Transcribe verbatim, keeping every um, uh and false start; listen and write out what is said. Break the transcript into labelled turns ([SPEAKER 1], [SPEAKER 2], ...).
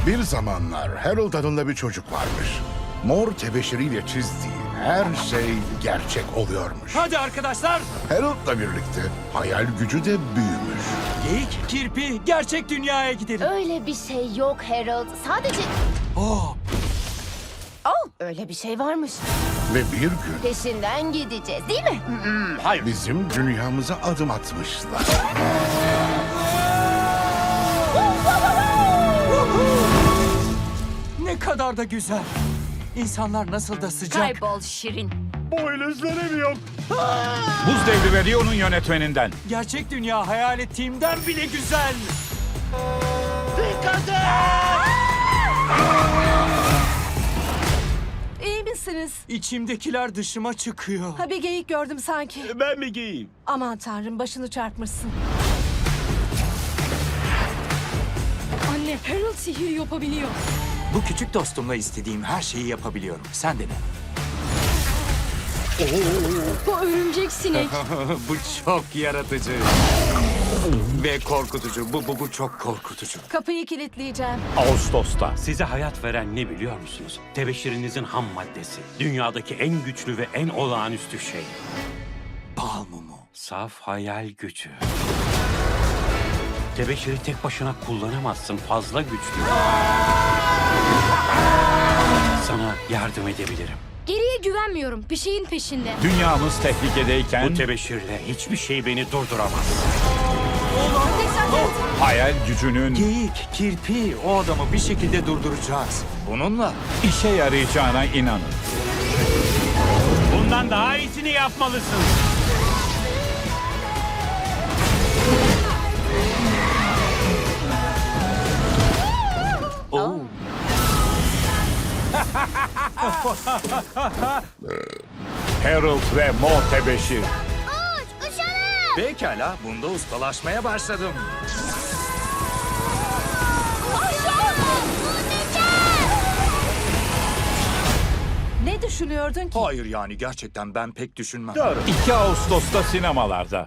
[SPEAKER 1] Bir zamanlar Harold adında bir çocuk varmış. Mor tebeşiriyle çizdiği her şey gerçek oluyormuş.
[SPEAKER 2] Hadi arkadaşlar.
[SPEAKER 1] Harold'la birlikte hayal gücü de büyümüş.
[SPEAKER 2] Geyik, kirpi, gerçek dünyaya gidelim.
[SPEAKER 3] Öyle bir şey yok Harold. Sadece...
[SPEAKER 2] Oh,
[SPEAKER 3] Oh, öyle bir şey varmış.
[SPEAKER 1] Ve bir gün
[SPEAKER 3] Peşinden gideceğiz değil mi?
[SPEAKER 1] bizim dünyamıza adım atmışlar.
[SPEAKER 2] ne kadar da güzel. İnsanlar nasıl da sıcak.
[SPEAKER 3] Kaybol Şirin.
[SPEAKER 4] Buz Devri ve Rio'nun yönetmeninden.
[SPEAKER 2] Gerçek dünya hayal ettiğimden bile güzel.
[SPEAKER 5] İyi misiniz?
[SPEAKER 2] İçimdekiler dışıma çıkıyor.
[SPEAKER 5] Ha bir geyik gördüm sanki.
[SPEAKER 6] Ben mi giyeyim?
[SPEAKER 5] Aman tanrım başını çarpmışsın. Anne Harold sihir yapabiliyor.
[SPEAKER 2] Bu küçük dostumla istediğim her şeyi yapabiliyorum. Sen de ne?
[SPEAKER 5] Bu örümcek sinek.
[SPEAKER 2] bu çok yaratıcı. Ve korkutucu. Bu, bu, bu çok korkutucu.
[SPEAKER 5] Kapıyı kilitleyeceğim.
[SPEAKER 4] Ağustos'ta.
[SPEAKER 6] Size hayat veren ne biliyor musunuz? Tebeşirinizin ham maddesi. Dünyadaki en güçlü ve en olağanüstü şey.
[SPEAKER 2] Bal mumu.
[SPEAKER 6] Saf hayal gücü. Tebeşiri tek başına kullanamazsın. Fazla güçlü. Sana yardım edebilirim.
[SPEAKER 7] Geriye güvenmiyorum. Bir şeyin peşinde.
[SPEAKER 4] Dünyamız tehlikedeyken
[SPEAKER 6] Bu tebeşirle hiçbir şey beni durduramaz.
[SPEAKER 4] hayal gücünün
[SPEAKER 2] Geyik, kirpi, o adamı bir şekilde durduracağız. Bununla
[SPEAKER 4] işe yarayacağına inanın.
[SPEAKER 6] Bundan daha iyisini yapmalısın.
[SPEAKER 2] Oo.
[SPEAKER 4] Harold ve Mor Tebeşir.
[SPEAKER 2] Pekala, bunda ustalaşmaya başladım.
[SPEAKER 5] Ne düşünüyordun ki?
[SPEAKER 2] Hayır yani gerçekten ben pek düşünmem.
[SPEAKER 4] iki Ağustos'ta sinemalarda.